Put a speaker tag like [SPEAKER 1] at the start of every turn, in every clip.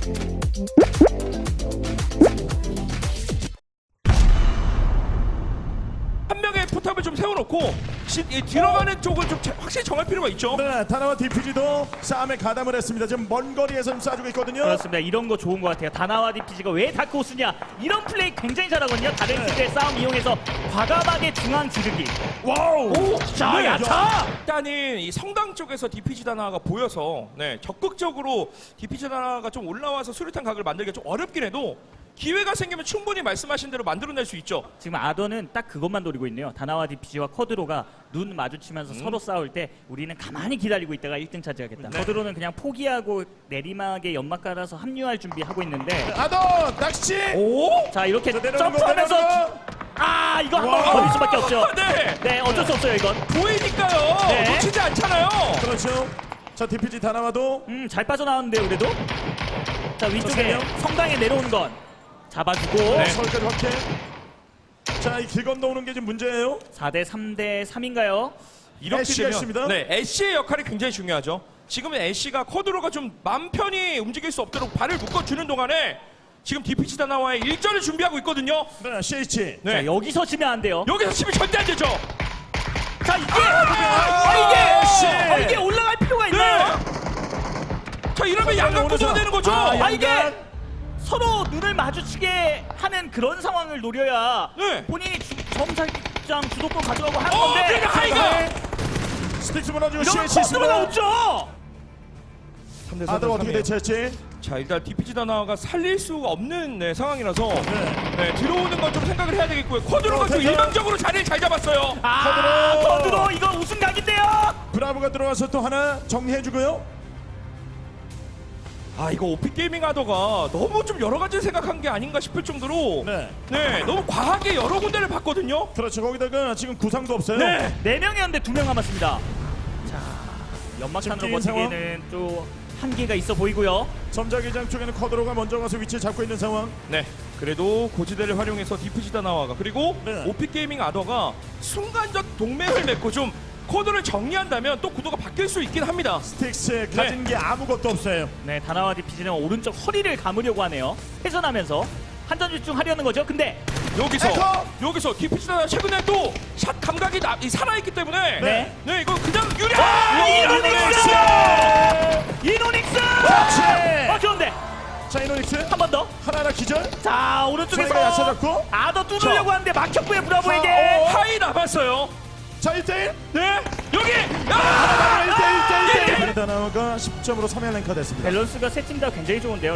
[SPEAKER 1] 한 명의 포탑을 좀 세워놓고 들어가는 쪽을 좀 확실히 정할 필요가 있죠.
[SPEAKER 2] 네, 다나와 DPG도 싸움에 가담을 했습니다. 지금 먼 거리에서 쏴주고 있거든요.
[SPEAKER 3] 그렇습니다. 이런 거 좋은 것 같아요. 다나와 DPG가 왜 다크호스냐? 이런 플레이 굉장히 잘하거든요. 다른 팀들의 싸움 이용해서 과감하게 중앙 지르기.
[SPEAKER 2] 와우!
[SPEAKER 3] 자,
[SPEAKER 2] 네,
[SPEAKER 3] 야차!
[SPEAKER 1] 일단은 이 성당 쪽에서 DPG 다나가 보여서 적극적으로 DPG 다나가 좀 올라와서 수류탄 각을 만들기가 좀 어렵긴 해도 기회가 생기면 충분히 말씀하신 대로 만들어낼 수 있죠.
[SPEAKER 3] 지금 아더는 딱 그것만 노리고 있네요. 다나와 DPG와 커드로가 눈 마주치면서 서로 싸울 때 우리는 가만히 기다리고 있다가 1등 차지하겠다. 커드로는 그냥 포기하고 내리막에 연막 깔아서 합류할 준비하고 있는데
[SPEAKER 2] 아더 낚시!
[SPEAKER 1] 오?
[SPEAKER 3] 자 이렇게
[SPEAKER 2] 내려오는 거,
[SPEAKER 3] 점프하면서
[SPEAKER 2] 내려오는 거.
[SPEAKER 3] 아 이거 한 번 걸릴 수밖에 없죠.
[SPEAKER 1] 네.
[SPEAKER 3] 네 어쩔 수 없어요 이건.
[SPEAKER 1] 보이니까요.
[SPEAKER 3] 네.
[SPEAKER 1] 놓치지 않잖아요.
[SPEAKER 2] 그렇죠. 자, DPG 다나와도
[SPEAKER 3] 잘 빠져나왔는데요 그래도. 자 위쪽에 성당에 내려오는 건 잡아주고
[SPEAKER 2] 서울까지 확해. 자, 이 길 건너오는 게 지금 문제예요.
[SPEAKER 3] 4대 3대 3인가요?
[SPEAKER 1] 이렇게
[SPEAKER 2] 애쉬가
[SPEAKER 1] 되면
[SPEAKER 2] 있습니다.
[SPEAKER 1] 네, 애쉬의 역할이 굉장히 중요하죠. 지금은 애쉬가 커드로가 좀 맘 편히 움직일 수 없도록 발을 묶어주는 동안에 지금 DPG 다나와의 일전을 준비하고 있거든요.
[SPEAKER 2] 네, CH.
[SPEAKER 1] 네.
[SPEAKER 3] 자 여기서 치면 안 돼요.
[SPEAKER 1] 여기서 치면 절대 안 되죠.
[SPEAKER 3] 자 이게
[SPEAKER 2] 아,
[SPEAKER 3] 이게 올라갈 필요가 있나요?
[SPEAKER 1] 자 이러면 양각 구도가 되는 거죠.
[SPEAKER 3] 이게 서로 눈을 마주치게 하는 그런 상황을 노려야
[SPEAKER 1] 네.
[SPEAKER 3] 본인이 점사장 주도권 가져가고 하는 건데
[SPEAKER 1] 그러니까 하이가
[SPEAKER 2] 스틱스 무너지고
[SPEAKER 3] 이러면
[SPEAKER 2] CH
[SPEAKER 3] 커드로가
[SPEAKER 2] 있습니다.
[SPEAKER 3] 없죠.
[SPEAKER 2] 아더 어떻게 대체할지.
[SPEAKER 1] 자 일단 DPG 다나가 살릴 수가 없는 상황이라서
[SPEAKER 2] 네.
[SPEAKER 1] 들어오는 건 좀 생각을 해야 되겠고요. 커드로가 좀
[SPEAKER 2] 대전.
[SPEAKER 1] 일방적으로 자리를 잘 잡았어요.
[SPEAKER 3] 커드로 이거 우승각인데요.
[SPEAKER 2] 브라보가 들어와서 또 하나 정리해주고요.
[SPEAKER 1] 아 이거 오피 게이밍 하더가 너무 좀 여러 가지 생각한 게 아닌가 싶을 정도로
[SPEAKER 2] 네.
[SPEAKER 1] 너무 과하게 여러 군데를 봤거든요.
[SPEAKER 2] 그렇죠. 거기다가 지금 구상도 없어요.
[SPEAKER 1] 네.
[SPEAKER 3] 4명이었는데 2명 남았습니다. 자 연막탄으로
[SPEAKER 2] 지금 뛰는
[SPEAKER 3] 버티기에는 또 한계가 있어 보이고요.
[SPEAKER 2] 점자기장 쪽에는 커드로가 먼저 가서 위치를 잡고 있는 상황.
[SPEAKER 1] 네. 그래도 고지대를 활용해서 DPG 다나와가 그리고
[SPEAKER 2] 네.
[SPEAKER 1] 오피 게이밍 아더가 순간적 동맹을 맺고 좀 코드를 정리한다면 또 구도가 바뀔 수 있긴 합니다.
[SPEAKER 2] 스틱스 가진 게 아무것도 없어요.
[SPEAKER 3] 네 다나와 DPG는 오른쪽 허리를 감으려고 하네요. 회전하면서 한전집중하려는 거죠. 근데
[SPEAKER 1] 여기서 DPG 다나 최근에 또 샷 감각이 살아있기 때문에
[SPEAKER 3] 네.
[SPEAKER 1] 이거 그냥
[SPEAKER 3] 이노닉스! 좋은데
[SPEAKER 2] 자, 이노닉스
[SPEAKER 3] 한 번 더.
[SPEAKER 2] 하나하나 기절.
[SPEAKER 3] 자 오른쪽에서
[SPEAKER 2] 상대가 야채잡고.
[SPEAKER 3] 아더 뚫으려고 하는데 막혔고요 브라보에게.
[SPEAKER 1] 하이 남았어요.
[SPEAKER 2] 자, 1대1.
[SPEAKER 1] 네 여기
[SPEAKER 2] 1대1. 다나와가 10점으로 3회 랭커 됐습니다.
[SPEAKER 3] 밸런스가 세 팀 다 굉장히 좋은데요.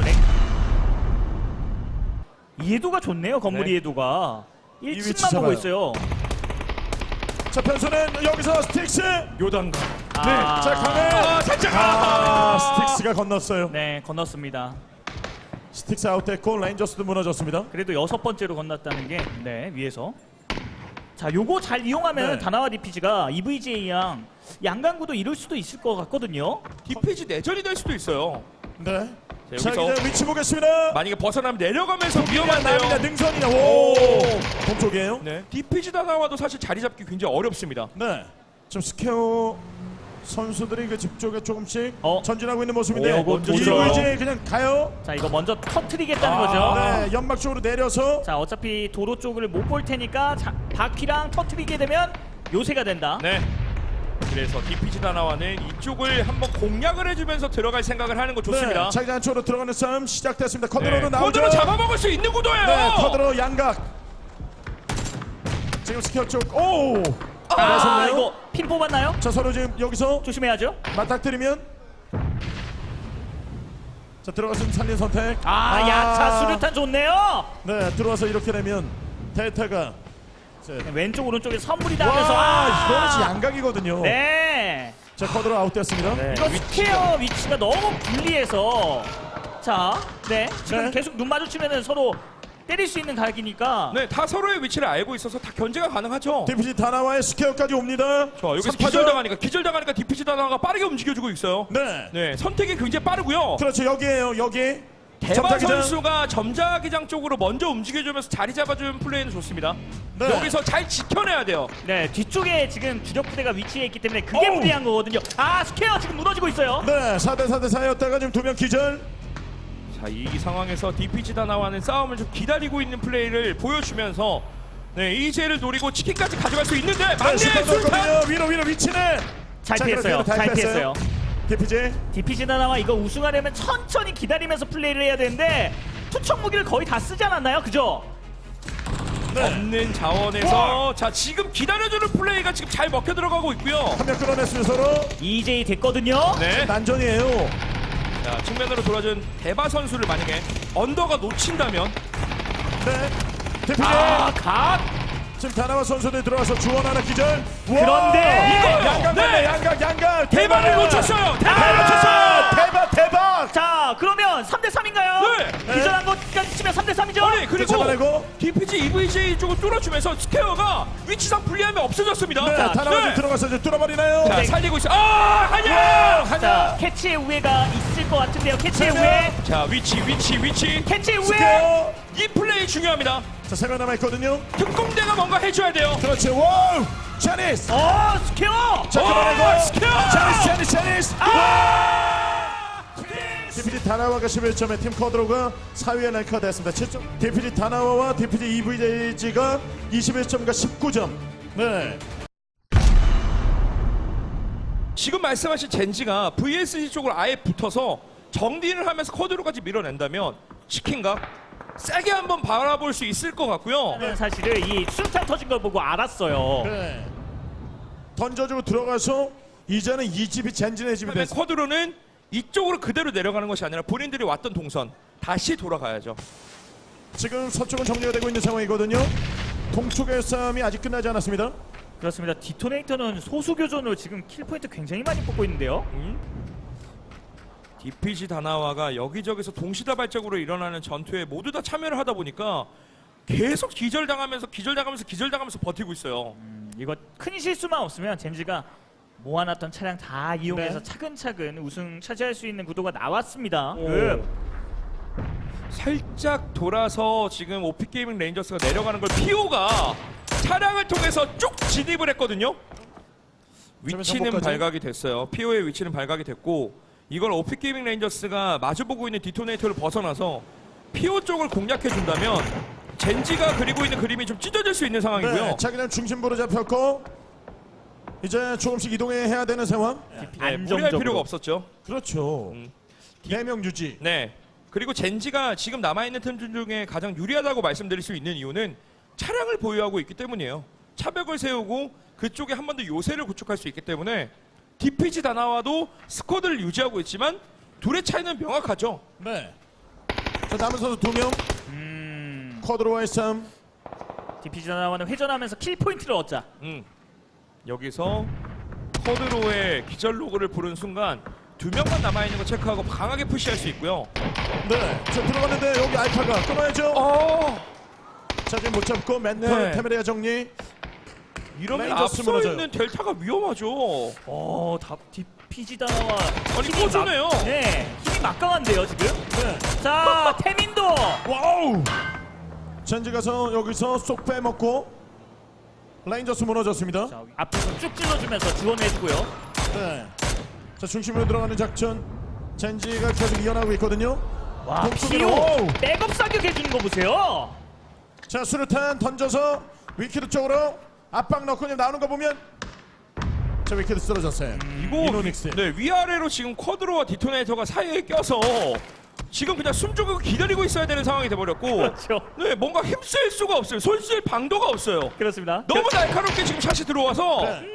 [SPEAKER 3] 이해도가 좋네요. 건물
[SPEAKER 1] 네.
[SPEAKER 3] 이해도가
[SPEAKER 2] 위치
[SPEAKER 3] 1층만 보고
[SPEAKER 2] 잡아요.
[SPEAKER 3] 있어요.
[SPEAKER 2] 자, 변수는 여기서 스틱스.
[SPEAKER 1] 요단가.
[SPEAKER 2] 자, 강해.
[SPEAKER 1] 살짝
[SPEAKER 2] 스틱스가 건넜어요.
[SPEAKER 3] 네 건넜습니다.
[SPEAKER 2] 스틱스 아웃됐고 레인저스도 무너졌습니다.
[SPEAKER 3] 그래도 6번째로 건넜다는 게 위에서. 자 요거 잘 이용하면
[SPEAKER 2] 네.
[SPEAKER 3] 다나와 DPG가 EVGA양 양강구도 이룰 수도 있을 것 같거든요.
[SPEAKER 1] DPG 내전이 될 수도 있어요.
[SPEAKER 2] 네.
[SPEAKER 1] 자,
[SPEAKER 2] 자,
[SPEAKER 1] 여기서
[SPEAKER 2] 이제 위치 보겠습니다.
[SPEAKER 1] 만약에 벗어나면 내려가면서
[SPEAKER 2] 남이나
[SPEAKER 1] 위험한데요.
[SPEAKER 2] 능선이나 오 동쪽이에요.
[SPEAKER 1] 네. DPG 다나와도 사실 자리 잡기 굉장히 어렵습니다.
[SPEAKER 2] 네. 좀 스케어 선수들이 그 집 쪽에 조금씩
[SPEAKER 3] 어?
[SPEAKER 2] 전진하고 있는 모습인데
[SPEAKER 3] 오, 이거
[SPEAKER 1] 좋죠.
[SPEAKER 2] 이제 그냥 가요.
[SPEAKER 3] 자 이거 먼저 터트리겠다는 거죠.
[SPEAKER 2] 네, 연막 쪽으로 내려서
[SPEAKER 3] 자 어차피 도로 쪽을 못 볼 테니까 바퀴랑 터트리게 되면 요새가 된다.
[SPEAKER 1] 네. 그래서 DPG 다나와는 이쪽을 한번 공략을 해주면서 들어갈 생각을 하는 거 좋습니다.
[SPEAKER 2] 네, 자기 안쪽으로 들어가는 싸움 시작됐습니다. 커드로도 나오죠.
[SPEAKER 1] 코드로 잡아먹을 수 있는 구도예요.
[SPEAKER 2] 네, 커드로 양각. 지금 스퀘어 쪽. 오. 나섰네요.
[SPEAKER 3] 이거 핀 뽑았나요?
[SPEAKER 2] 자, 서로 지금 여기서
[SPEAKER 3] 조심해야죠.
[SPEAKER 2] 맞닥뜨리면. 자, 들어가서 살린 선택.
[SPEAKER 3] 야차 수류탄 좋네요.
[SPEAKER 2] 네, 들어와서 이렇게 되면 데이터가.
[SPEAKER 3] 왼쪽 오른쪽에 선물이 나면서
[SPEAKER 2] 이거는 진짜 양각이거든요.
[SPEAKER 3] 네.
[SPEAKER 2] 자, 커드로 아웃됐습니다.
[SPEAKER 1] 네.
[SPEAKER 3] 이거 스퀘어 위치가 너무 불리해서 지금
[SPEAKER 2] 네.
[SPEAKER 3] 계속 눈 마주치면은 서로 때릴 수 있는 각이니까.
[SPEAKER 1] 네, 다 서로의 위치를 알고 있어서 다 견제가 가능하죠.
[SPEAKER 2] DPG 다나와의 스퀘어까지 옵니다.
[SPEAKER 1] 자, 여기서
[SPEAKER 2] 삼파전.
[SPEAKER 1] 기절당하니까 DPG 다나가 빠르게 움직여주고 있어요.
[SPEAKER 2] 네.
[SPEAKER 1] 네, 선택이 굉장히 빠르고요.
[SPEAKER 2] 그렇죠. 여기에요. 여기.
[SPEAKER 1] 대바
[SPEAKER 2] 점자기장.
[SPEAKER 1] 선수가 점자기장 쪽으로 먼저 움직여주면서 자리 잡아주는 플레이는 좋습니다.
[SPEAKER 2] 네.
[SPEAKER 1] 여기서 잘 지켜내야 돼요.
[SPEAKER 3] 네, 뒤쪽에 지금 주력 부대가 위치해 있기 때문에 그게
[SPEAKER 2] 어우.
[SPEAKER 3] 불리한 거거든요. 스퀘어 지금 무너지고 있어요.
[SPEAKER 2] 네, 4대 4대 4였다가 지금 2명 기절.
[SPEAKER 1] 자, 이 상황에서 DPG 다나와는 싸움을 좀 기다리고 있는 플레이를 보여주면서 네, 이제를 노리고 치킨까지 가져갈 수 있는데 막내 술탄
[SPEAKER 2] 위로 위치는
[SPEAKER 3] 잘
[SPEAKER 2] 자,
[SPEAKER 3] 피했어요.
[SPEAKER 2] 그래도
[SPEAKER 3] 잘 피했어요.
[SPEAKER 2] DPG
[SPEAKER 3] DPG 다나와 이거 우승하려면 천천히 기다리면서 플레이를 해야 되는데 투척 무기를 거의 다 쓰지 않았나요? 그죠?
[SPEAKER 1] 없는 자원에서 자, 지금 기다려주는 플레이가 지금 잘 먹혀 들어가고 있고요.
[SPEAKER 2] 한 명 끌어냈으면 서로
[SPEAKER 3] EJ 됐거든요.
[SPEAKER 1] 네.
[SPEAKER 2] 난전이에요.
[SPEAKER 1] 자, 측면으로 돌아준 대바 선수를 만약에 언더가 놓친다면
[SPEAKER 2] 네. DPG
[SPEAKER 3] 각.
[SPEAKER 2] 지금 다나와 선수들 들어와서 주원 하나 기절.
[SPEAKER 3] 그런데
[SPEAKER 1] 이거요.
[SPEAKER 2] 양각
[SPEAKER 1] 네.
[SPEAKER 2] 양각
[SPEAKER 1] 대바를 놓쳤어요. 대바를 놓쳤어요.
[SPEAKER 2] 대박.
[SPEAKER 3] 자, 그러면 3대 3인가요?
[SPEAKER 1] 네.
[SPEAKER 3] 기절한 것까지 치면 3대 3이죠?
[SPEAKER 1] 아니, 그리고
[SPEAKER 2] 잡아내고.
[SPEAKER 1] DPG EVJ 쪽을 뚫어주면서 스퀘어가 위치상 불리함이 없어졌습니다.
[SPEAKER 2] 네, 다나와 좀 들어가서 이제 뚫어버리나요?
[SPEAKER 1] 자, 살리고 있어. 아, 하냐!
[SPEAKER 3] 자, 캐치의 우회가 있을 것 같은데요. 캐치의
[SPEAKER 2] 네.
[SPEAKER 3] 우회.
[SPEAKER 1] 자, 위치.
[SPEAKER 3] 캐치의 우회.
[SPEAKER 2] 스퀘어.
[SPEAKER 1] 이 플레이 중요합니다.
[SPEAKER 2] 자, 3명 남아있거든요.
[SPEAKER 1] 특공대가 뭔가 해줘야 돼요.
[SPEAKER 2] 그렇지. 와우. 제니스.
[SPEAKER 3] 스퀘어.
[SPEAKER 2] 자, 끌어내고.
[SPEAKER 1] 스퀘어.
[SPEAKER 2] 제니스. DPG 다나와가 11점에 팀 커드로가 4위에 랭크가 됐습니다. 7점. DPG 다나와와 DPG EVJ가 21점과 19점. 네.
[SPEAKER 1] 지금 말씀하신 젠지가 VSG 쪽으로 아예 붙어서 정리를 하면서 커드로까지 밀어낸다면 치킨각 세게 한번 바라볼 수 있을 것 같고요.
[SPEAKER 3] 사실은 이 수류탄 터진 걸 보고 알았어요.
[SPEAKER 2] 네. 던져주고 들어가서 이제는 이 집이 젠지네 집이
[SPEAKER 1] 그다음에
[SPEAKER 2] 됐습니다.
[SPEAKER 1] 커드로는 이쪽으로 그대로 내려가는 것이 아니라 본인들이 왔던 동선 다시 돌아가야죠.
[SPEAKER 2] 지금 서쪽은 정리가 되고 있는 상황이거든요. 동쪽의 싸움이 아직 끝나지 않았습니다.
[SPEAKER 3] 그렇습니다. 디토네이터는 소수 교전으로 지금 킬 포인트 굉장히 많이 뽑고 있는데요.
[SPEAKER 1] DPG 다나와가 여기저기서 동시다발적으로 일어나는 전투에 모두 다 참여를 하다 보니까 계속 기절당하면서 버티고 있어요.
[SPEAKER 3] 이거 큰 실수만 없으면 젠지가 모아놨던 차량 다 이용해서
[SPEAKER 2] 네.
[SPEAKER 3] 차근차근 우승 차지할 수 있는 구도가 나왔습니다.
[SPEAKER 1] 살짝 돌아서 지금 오피게이밍 레인저스가 내려가는 걸 피오가 차량을 통해서 쭉 진입을 했거든요. 위치는
[SPEAKER 2] 정보까지.
[SPEAKER 1] 발각이 됐어요. 피오의 위치는 발각이 됐고 이걸 오피게이밍 레인저스가 마주보고 있는 디토네이터를 벗어나서 피오 쪽을 공략해준다면 젠지가 그리고 있는 그림이 좀 찢어질 수 있는 상황이고요.
[SPEAKER 2] 네, 자기는 중심부로 잡혔고 이제 조금씩 이동해야 되는 상황.
[SPEAKER 1] 네, 무리할
[SPEAKER 3] 안정적으로.
[SPEAKER 1] 필요가 없었죠.
[SPEAKER 2] 그렇죠. 4명 유지.
[SPEAKER 1] 네. 그리고 젠지가 지금 남아있는 팀 중에 가장 유리하다고 말씀드릴 수 있는 이유는 차량을 보유하고 있기 때문이에요. 차벽을 세우고 그쪽에 한 번 더 요새를 구축할 수 있기 때문에 DPG 다나와도 스쿼드를 유지하고 있지만 둘의 차이는 명확하죠.
[SPEAKER 2] 네. 자, 남은 선수 2명. 쿼드로와의 싸움.
[SPEAKER 3] DPG 다나와는 회전하면서 킬 포인트를 얻자.
[SPEAKER 1] 여기서 커드로의 기절 로그를 부른 순간 2명만 남아있는 거 체크하고 강하게 푸시할 수 있고요.
[SPEAKER 2] 네. 자, 들어갔는데 여기 알파가 끊어야죠. 자, 지금 못 잡고 맨날
[SPEAKER 1] 네.
[SPEAKER 2] 테메리아 정리.
[SPEAKER 1] 이러면
[SPEAKER 2] 레인저스
[SPEAKER 1] 앞서
[SPEAKER 2] 무너져요.
[SPEAKER 1] 있는 델타가 위험하죠.
[SPEAKER 3] DPG 다나와
[SPEAKER 1] 아니,
[SPEAKER 3] 힘이
[SPEAKER 1] 꺼주네요.
[SPEAKER 3] 네, 힘이 막강한데요 지금.
[SPEAKER 2] 네.
[SPEAKER 3] 자, 태민도.
[SPEAKER 2] 와우. 젠지 가서 여기서 쏙 빼먹고 레인저스 무너졌습니다.
[SPEAKER 3] 자, 앞에서 쭉 찔러주면서 지원해주고요.
[SPEAKER 2] 네. 자, 중심으로 들어가는 작전. 젠지가 계속 이어나가고 있거든요.
[SPEAKER 3] 와,
[SPEAKER 2] 동쪽으로.
[SPEAKER 3] 피오 백업 사격해주는 거 보세요.
[SPEAKER 2] 자, 수류탄 던져서 위키드 쪽으로 압박 넣고 그냥 나오는 거 보면 자, 위키드 쓰러졌어요.
[SPEAKER 1] 이거
[SPEAKER 2] 이노닉스.
[SPEAKER 1] 네, 위아래로 지금 쿼드로와 디토네이터가 사이에 껴서 지금 그냥 숨죽이고 기다리고 있어야 되는 상황이 돼버렸고
[SPEAKER 3] 그렇죠.
[SPEAKER 1] 네, 뭔가 힘쓸 수가 없어요. 손쓸 방도가 없어요.
[SPEAKER 3] 그렇습니다.
[SPEAKER 1] 너무 날카롭게 지금 샷이 들어와서
[SPEAKER 2] 네.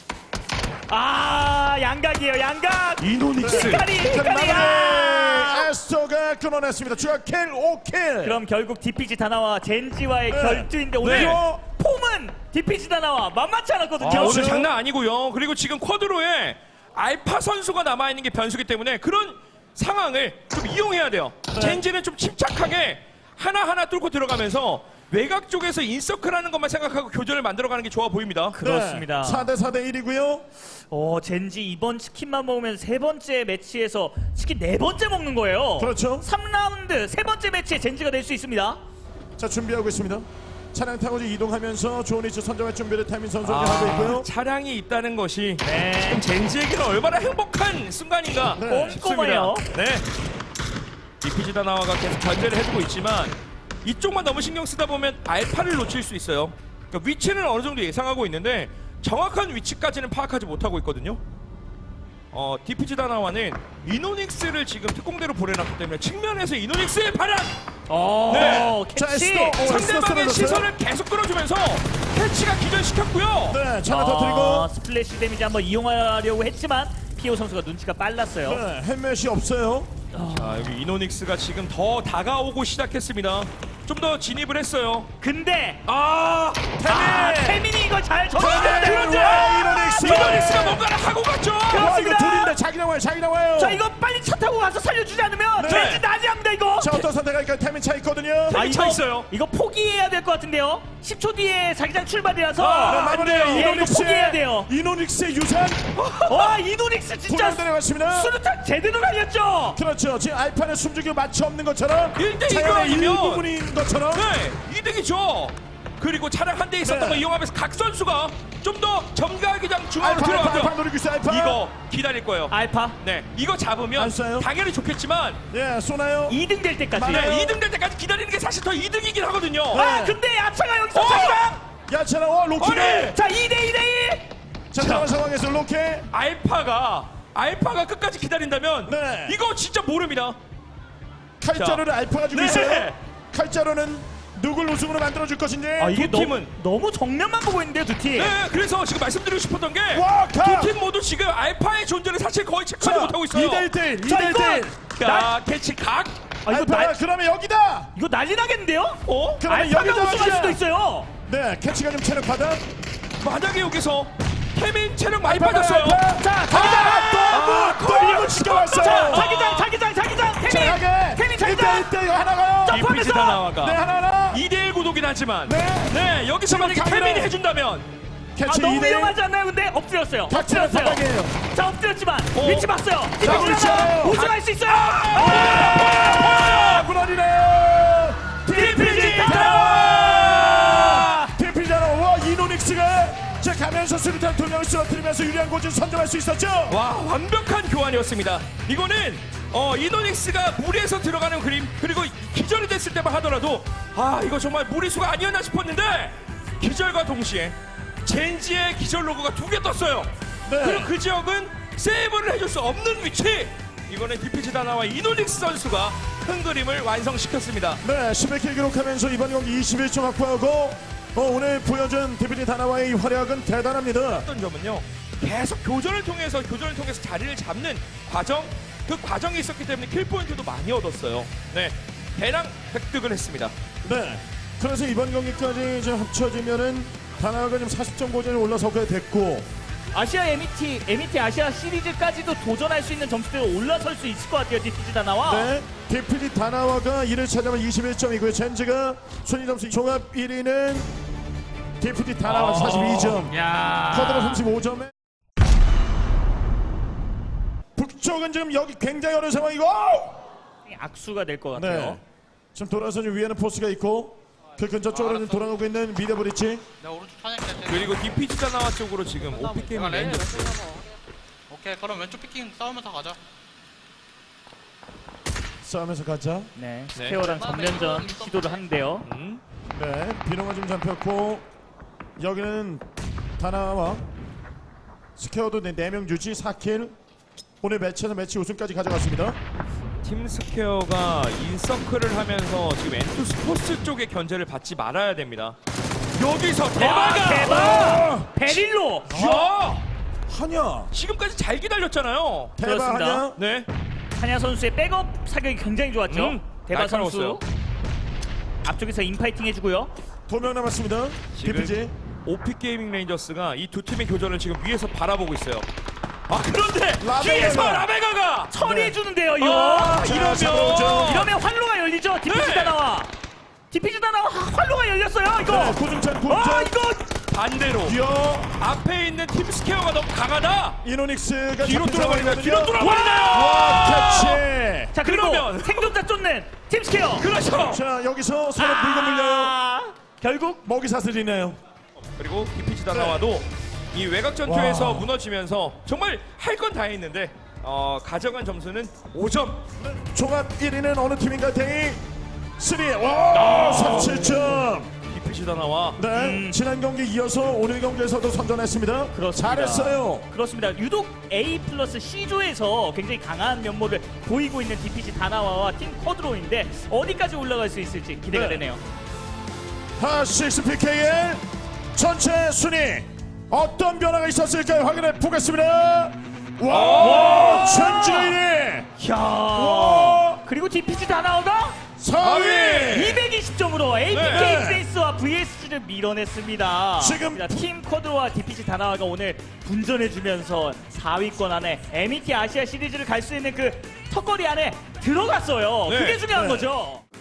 [SPEAKER 3] 양각이에요, 양각.
[SPEAKER 1] 이노닉스
[SPEAKER 3] 히카리야.
[SPEAKER 2] 에스토가 끊어냈습니다. 추가 킬 5킬.
[SPEAKER 3] 그럼 결국 DPG 다나와 젠지와의
[SPEAKER 2] 네.
[SPEAKER 3] 결투인데 오늘
[SPEAKER 1] 네.
[SPEAKER 3] 폼은 DPG 다나와 만만치 않았거든요.
[SPEAKER 1] 오늘
[SPEAKER 2] 그렇죠.
[SPEAKER 1] 장난 아니고요. 그리고 지금 쿼드로에 알파 선수가 남아있는 게 변수기 때문에 그런 상황을 좀 이용해야 돼요. 젠지는 좀 침착하게 하나하나 뚫고 들어가면서 외곽 쪽에서 인서클하는 것만 생각하고 교전을 만들어가는 게 좋아 보입니다.
[SPEAKER 3] 그렇습니다.
[SPEAKER 2] 4대 1이고요.
[SPEAKER 3] 젠지 이번 치킨만 먹으면 세 번째 매치에서 치킨 네 번째 먹는 거예요.
[SPEAKER 2] 그렇죠.
[SPEAKER 3] 3라운드 세 번째 매치에 젠지가 될 수 있습니다.
[SPEAKER 2] 자, 준비하고 있습니다. 차량 타고 이동하면서 좋은 위치 선정할 준비를 태민 선수가 하고 있고요.
[SPEAKER 1] 차량이 있다는 것이
[SPEAKER 3] 네.
[SPEAKER 1] 지금 젠지에게는 얼마나 행복한 순간인가
[SPEAKER 2] 네.
[SPEAKER 1] 싶습니다.
[SPEAKER 3] 꼼꼼해요.
[SPEAKER 1] 네. 디피지 다나와가 계속 견제를 해주고 있지만 이쪽만 너무 신경 쓰다 보면 알파를 놓칠 수 있어요. 그러니까 위치는 어느 정도 예상하고 있는데 정확한 위치까지는 파악하지 못하고 있거든요. 디피지 다나와는 이노닉스를 지금 특공대로 보내놨기 때문에 측면에서 이노닉스의 발악! 네.
[SPEAKER 2] 자,
[SPEAKER 3] 캐치!
[SPEAKER 1] 상대방의 시선을 계속 끌어주면서 캐치가 기절시켰고요.
[SPEAKER 2] 네, 자, 더 드리고.
[SPEAKER 3] 스플래시 데미지 한번 이용하려고 했지만 피오 선수가 눈치가 빨랐어요.
[SPEAKER 2] 네, 헬멧이 없어요.
[SPEAKER 1] 자, 여기 이노닉스가 지금 더 다가오고 시작했습니다. 좀 더 진입을 했어요.
[SPEAKER 3] 근데
[SPEAKER 1] 태민이
[SPEAKER 3] 이걸 잘
[SPEAKER 2] 태민!
[SPEAKER 3] 접었는데
[SPEAKER 2] 와, 이노닉스!
[SPEAKER 1] 이노닉스가 뭔가를 하고 갔죠.
[SPEAKER 2] 와, 이거 둘인데 자기 나와요, 자기 나와요.
[SPEAKER 3] 자 이거 빨리 차 타고 가서 살려주지 않으면
[SPEAKER 2] 네.
[SPEAKER 3] 왠지 난리 납니다 이거.
[SPEAKER 2] 자, 어떤 선택할까요? 태민 차 있거든요.
[SPEAKER 1] 태민 차 있어요.
[SPEAKER 3] 이거 포기해야 될 것 같은데요. 10초 뒤에 자기장 출발이라서
[SPEAKER 2] 네, 마무리해요.
[SPEAKER 3] 예, 이거
[SPEAKER 2] 이노닉스의
[SPEAKER 3] 포기해야 돼요.
[SPEAKER 2] 이노닉스의 유산
[SPEAKER 3] 와 이노닉스 진짜
[SPEAKER 2] 불안 내려갔습니다.
[SPEAKER 3] 수류탄 제대로 날렸죠.
[SPEAKER 2] 그렇죠. 지금 알파는 숨죽이고 마치 없는 것처럼
[SPEAKER 1] 1대1
[SPEAKER 2] 차량의
[SPEAKER 1] 아니면-
[SPEAKER 2] 일부분인 것처럼.
[SPEAKER 1] 네, 이득이죠. 그리고 차량 한 대 있었던
[SPEAKER 2] 네.
[SPEAKER 1] 거 이용하면서 각 선수가 좀 더 점가기장 중앙으로
[SPEAKER 2] 알파
[SPEAKER 1] 들어가고요.
[SPEAKER 2] 노리고 있어요. 알파.
[SPEAKER 1] 이거 기다릴 거예요.
[SPEAKER 3] 알파
[SPEAKER 1] 네, 이거 잡으면
[SPEAKER 2] 안 쏴요?
[SPEAKER 1] 당연히 좋겠지만
[SPEAKER 2] 예, 쏘나요?
[SPEAKER 3] 2등 될 때까지.
[SPEAKER 2] 맞아요.
[SPEAKER 1] 네, 2등 될 때까지 기다리는 게 사실 더 이득이긴 하거든요.
[SPEAKER 3] 아 근데 야차가 여기서
[SPEAKER 1] 어!
[SPEAKER 3] 자기장.
[SPEAKER 2] 야채랑 로키네.
[SPEAKER 3] 자 2대1.
[SPEAKER 2] 자, 들어간 상황에서 로케.
[SPEAKER 1] 알파가 끝까지 기다린다면
[SPEAKER 2] 네.
[SPEAKER 1] 이거 진짜 모릅니다.
[SPEAKER 2] 칼자루를 알파가 주고
[SPEAKER 1] 네.
[SPEAKER 2] 있어요. 칼자루는 누굴 우승으로 만들어줄 것인지.
[SPEAKER 1] 두 팀은
[SPEAKER 3] 너무 정면만 보고 있는데요 두 팀.
[SPEAKER 1] 네, 그래서 지금 말씀드리고 싶었던 게
[SPEAKER 2] 와, 가!
[SPEAKER 1] 두 팀 모두 지금 알파의 존재를 사실 거의 체크하지 못하고 있어요.
[SPEAKER 2] 2대1대1.
[SPEAKER 3] 자,
[SPEAKER 2] 2대1대1.
[SPEAKER 1] 자, 캐치 각.
[SPEAKER 3] 아, 이거
[SPEAKER 2] 알파가 그러면 여기다.
[SPEAKER 3] 이거 난리 나겠는데요?
[SPEAKER 1] 어?
[SPEAKER 2] 그러면
[SPEAKER 3] 알파가
[SPEAKER 2] 여기다
[SPEAKER 3] 우승할
[SPEAKER 2] 하자.
[SPEAKER 3] 수도 있어요.
[SPEAKER 2] 네, 캐치가 좀 체력 받아.
[SPEAKER 1] 만약에 여기서 태민 체력 많이
[SPEAKER 2] 알파가,
[SPEAKER 1] 빠졌어요.
[SPEAKER 2] 알파.
[SPEAKER 3] 자
[SPEAKER 2] 또 한번 지켜왔어요.
[SPEAKER 3] 자 자기장 태민 자기장.
[SPEAKER 2] 1대1대 하나가요.
[SPEAKER 3] 자,
[SPEAKER 1] 디피지
[SPEAKER 3] 포함해서-
[SPEAKER 1] 다나와가
[SPEAKER 2] 네, 하나.
[SPEAKER 1] 2대1 구도긴 하지만
[SPEAKER 2] 네.
[SPEAKER 1] 여기서 만약에
[SPEAKER 2] 카메라.
[SPEAKER 1] 태민이 해준다면
[SPEAKER 2] 캐치
[SPEAKER 3] 너무
[SPEAKER 2] 2대1.
[SPEAKER 3] 위험하지 않나요? 근데 엎드렸어요.
[SPEAKER 2] 닥치는 바닥이에요.
[SPEAKER 3] 자 엎드렸지만
[SPEAKER 1] 어.
[SPEAKER 3] 위치 봤어요.
[SPEAKER 2] 자,
[SPEAKER 3] 디피지
[SPEAKER 2] 그렇죠.
[SPEAKER 3] 우승할 수 있어요.
[SPEAKER 2] 무너지네요.
[SPEAKER 1] 디피지
[SPEAKER 2] 다나와. 디피지 다나와. 이노닉스가 자 가면서 수류탄 2명을 쓰러뜨리면서 유리한 곳을 선점할 수 있었죠.
[SPEAKER 1] 와, 완벽한 교환이었습니다. 이거는 이노닉스가 무리해서 들어가는 그림, 그리고 기절이 됐을 때만 하더라도 이거 정말 무리수가 아니었나 싶었는데 기절과 동시에 젠지의 기절 로고가 2개 떴어요.
[SPEAKER 2] 네.
[SPEAKER 1] 그리고 그 지역은 세이브를 해줄 수 없는 위치. 이거는 디피지 다나와 이노닉스 선수가 큰 그림을 완성시켰습니다.
[SPEAKER 2] 네, 11킬 기록하면서 이번 경기 21점 확보하고 오늘 보여준 디피지 다나와의 이 활약은 대단합니다.
[SPEAKER 1] 어떤 점은요, 계속 교전을 통해서 자리를 잡는 과정, 그 과정이 있었기 때문에 킬 포인트도 많이 얻었어요. 네, 대량 획득을 했습니다.
[SPEAKER 2] 네, 그래서 이번 경기까지 좀 합쳐지면은 다나와가 지금 40점 고전에 올라서게 됐고.
[SPEAKER 3] 아시아 MET 아시아 시리즈까지도 도전할 수 있는 점수대로 올라설 수 있을 것 같아요. 디피지 다나와.
[SPEAKER 2] 네, 디피지 다나와가 1을 차지하면 21점이고요. 젠지가 순위 점수 종합 1위는 디피지 다나와 42점.
[SPEAKER 3] 야.
[SPEAKER 2] 커드로 35점에 북쪽은 지금 여기 굉장히 어려운 상황이고.
[SPEAKER 3] 악수가 될 것 같아요.
[SPEAKER 2] 네, 지금 돌아서 지금 위에는 포스가 있고 그 근처 쪽으로 지금 돌아가고 있는 미드 브릿지.
[SPEAKER 4] 내가 오른쪽 사냥했을 때.
[SPEAKER 1] 그리고 디피지 다나와 쪽으로 지금 오피 게임
[SPEAKER 4] 내가 레인지
[SPEAKER 1] 레인저스.
[SPEAKER 4] 오케이, 그럼 왼쪽 피킹 싸우면서 가자.
[SPEAKER 2] 싸우면서 가자.
[SPEAKER 3] 네.
[SPEAKER 1] 네.
[SPEAKER 3] 스퀘어랑 전면전 시도를 하는데요.
[SPEAKER 2] 네, 비농가 좀 잡혔고 여기는 다나와 스퀘어도 4명 유지 4킬. 오늘 매치에서 매치 우승까지 가져갔습니다.
[SPEAKER 1] 팀 스퀘어가 인서클을 하면서 지금 엔투스 포스 쪽의 견제를 받지 말아야 됩니다. 여기서 대박아!
[SPEAKER 3] 대박! 베릴로.
[SPEAKER 1] 야!
[SPEAKER 2] 하냐?
[SPEAKER 1] 지금까지 잘 기다렸잖아요.
[SPEAKER 2] 대박
[SPEAKER 3] 그렇습니다.
[SPEAKER 2] 하냐?
[SPEAKER 1] 네.
[SPEAKER 3] 한야 선수의 백업 사격이 굉장히 좋았죠. 대박 선수.
[SPEAKER 1] 날카로웠어요.
[SPEAKER 3] 앞쪽에서 인파이팅 해주고요.
[SPEAKER 2] 2명 남았습니다.
[SPEAKER 1] 지금
[SPEAKER 2] 디피지.
[SPEAKER 1] 오피 게이밍 레인저스가 이 두 팀의 교전을 지금 위에서 바라보고 있어요. 그런데
[SPEAKER 2] 라베가가.
[SPEAKER 1] 뒤에서 라베가가
[SPEAKER 3] 처리해주는데요 이거.
[SPEAKER 2] 자, 잡아오죠.
[SPEAKER 3] 이러면 활로가 열리죠. 디피지
[SPEAKER 1] 네.
[SPEAKER 3] 다나와. 디피지 다나와 활로가 열렸어요 이거.
[SPEAKER 2] 네, 고중찬 고중찬.
[SPEAKER 3] 이거
[SPEAKER 1] 반대로
[SPEAKER 2] 뛰어.
[SPEAKER 1] 앞에 있는 팀 스퀘어가 너무 강하다.
[SPEAKER 2] 이노닉스가
[SPEAKER 1] 뒤로
[SPEAKER 2] 잡힌
[SPEAKER 1] 돌아버리나요?
[SPEAKER 2] 상황이거든요.
[SPEAKER 1] 뒤로 돌아버리나요?
[SPEAKER 2] 와, 캐치.
[SPEAKER 3] 자 그리고
[SPEAKER 1] 그러면.
[SPEAKER 3] 생존자 쫓는 팀스퀘어.
[SPEAKER 1] 그렇죠.
[SPEAKER 2] 자, 여기서 서로 물고 물려요.
[SPEAKER 3] 결국
[SPEAKER 2] 먹이 사슬이네요.
[SPEAKER 1] 그리고 디피지 다나와도 이 외곽 전투에서
[SPEAKER 2] 와.
[SPEAKER 1] 무너지면서 정말 할 건 다 했는데 가져간 점수는 5점.
[SPEAKER 2] 종합 1위는 어느 팀인가? 데이 3. 와, 37점.
[SPEAKER 1] 디피지 다나와.
[SPEAKER 2] 네, 지난 경기 이어서 오늘 경기에서도 선전했습니다.
[SPEAKER 3] 그렇습니다.
[SPEAKER 2] 잘했어요.
[SPEAKER 3] 그렇습니다. 유독 A 플러스 C조에서 굉장히 강한 면모를 보이고 있는 DPG 다나와와 팀 쿼드로인데 어디까지 올라갈 수 있을지 기대가
[SPEAKER 2] 네.
[SPEAKER 3] 되네요.
[SPEAKER 2] 하6 PK의 전체 순위 어떤 변화가 있었을까요? 확인해 보겠습니다. 와, 전주 1위.
[SPEAKER 3] 이야. 그리고 DPG 다나와가
[SPEAKER 2] 4위.
[SPEAKER 3] 220점으로 APK
[SPEAKER 2] 네.
[SPEAKER 3] 트레이스와 VSG를 밀어냈습니다.
[SPEAKER 2] 지금
[SPEAKER 3] 팀 쿼드로와 DPG 다나와가 오늘 분전해주면서 4위권 안에 MET 아시아 시리즈를 갈 수 있는 그 턱걸이 안에 들어갔어요.
[SPEAKER 1] 네.
[SPEAKER 3] 그게 중요한
[SPEAKER 2] 네.
[SPEAKER 3] 거죠.